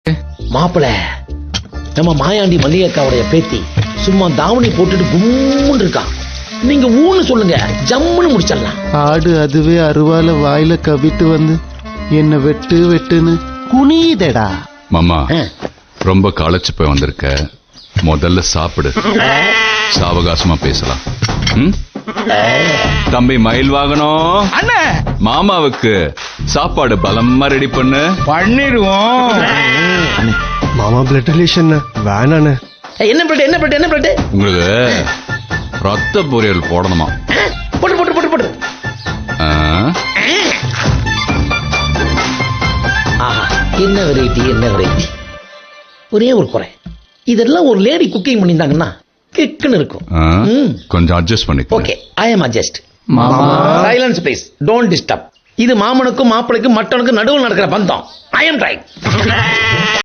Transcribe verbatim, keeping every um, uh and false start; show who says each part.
Speaker 1: மாப்பிள நம்ம மாயாண்டி மல்லிகைக்காவுடைய பேத்தி சும்மா தாவணி போட்டுட்டு கும்முன்னு இருக்கான். நீங்க ஊன்னு சொல்லுங்க, ஜம்முன்னு முடிச்சிடலாம்.
Speaker 2: ஆடு அதுவே அருவால வாயில கவிட்டு வந்து என்ன வெட்டு வெட்டுன்னு குனியுதடா.
Speaker 3: மாமா ரொம்ப களைச்சு போய் வந்திருக்க, முதல்ல சாப்பிடு, சாவகாசமா பேசலாம். ம்? தம்பி மயில் வாகனம்
Speaker 4: அண்ணே,
Speaker 3: மாமாவுக்கு சாப்பாடு பலமா ரெடி பண்ணு.
Speaker 4: பண்ணிடுவோம்.
Speaker 2: மாமா பிளட் ரிலேஷன் வேணாண்ணே.
Speaker 1: என்ன பிளட் என்ன பிளட் என்ன பிளட்?
Speaker 3: உங்களுக்கு ரத்த பொரியல் போடணுமா?
Speaker 1: போட்டு போட்டு போட்டு போட்டு.
Speaker 3: ஆ?
Speaker 1: ஆஹா, என்ன வெரைட்டி என்ன வெரைட்டி. ஒரே ஒரு குறை, இதெல்லாம் ஒரு லேடி குக்கிங் பண்ணியிருந்தாங்கன்னா கிக்குன்னு இருக்கும்.
Speaker 3: ஆ?
Speaker 1: ம்.
Speaker 3: கொஞ்சம் அட்ஜஸ்ட் பண்ணிக்க.
Speaker 1: Okay, I am adjust. Silence please, don't disturb. இது மாமனுக்கும் மாப்பிளைக்கும் மட்டனுக்கும் நடுவில் நடக்கிற பந்தம். I am try.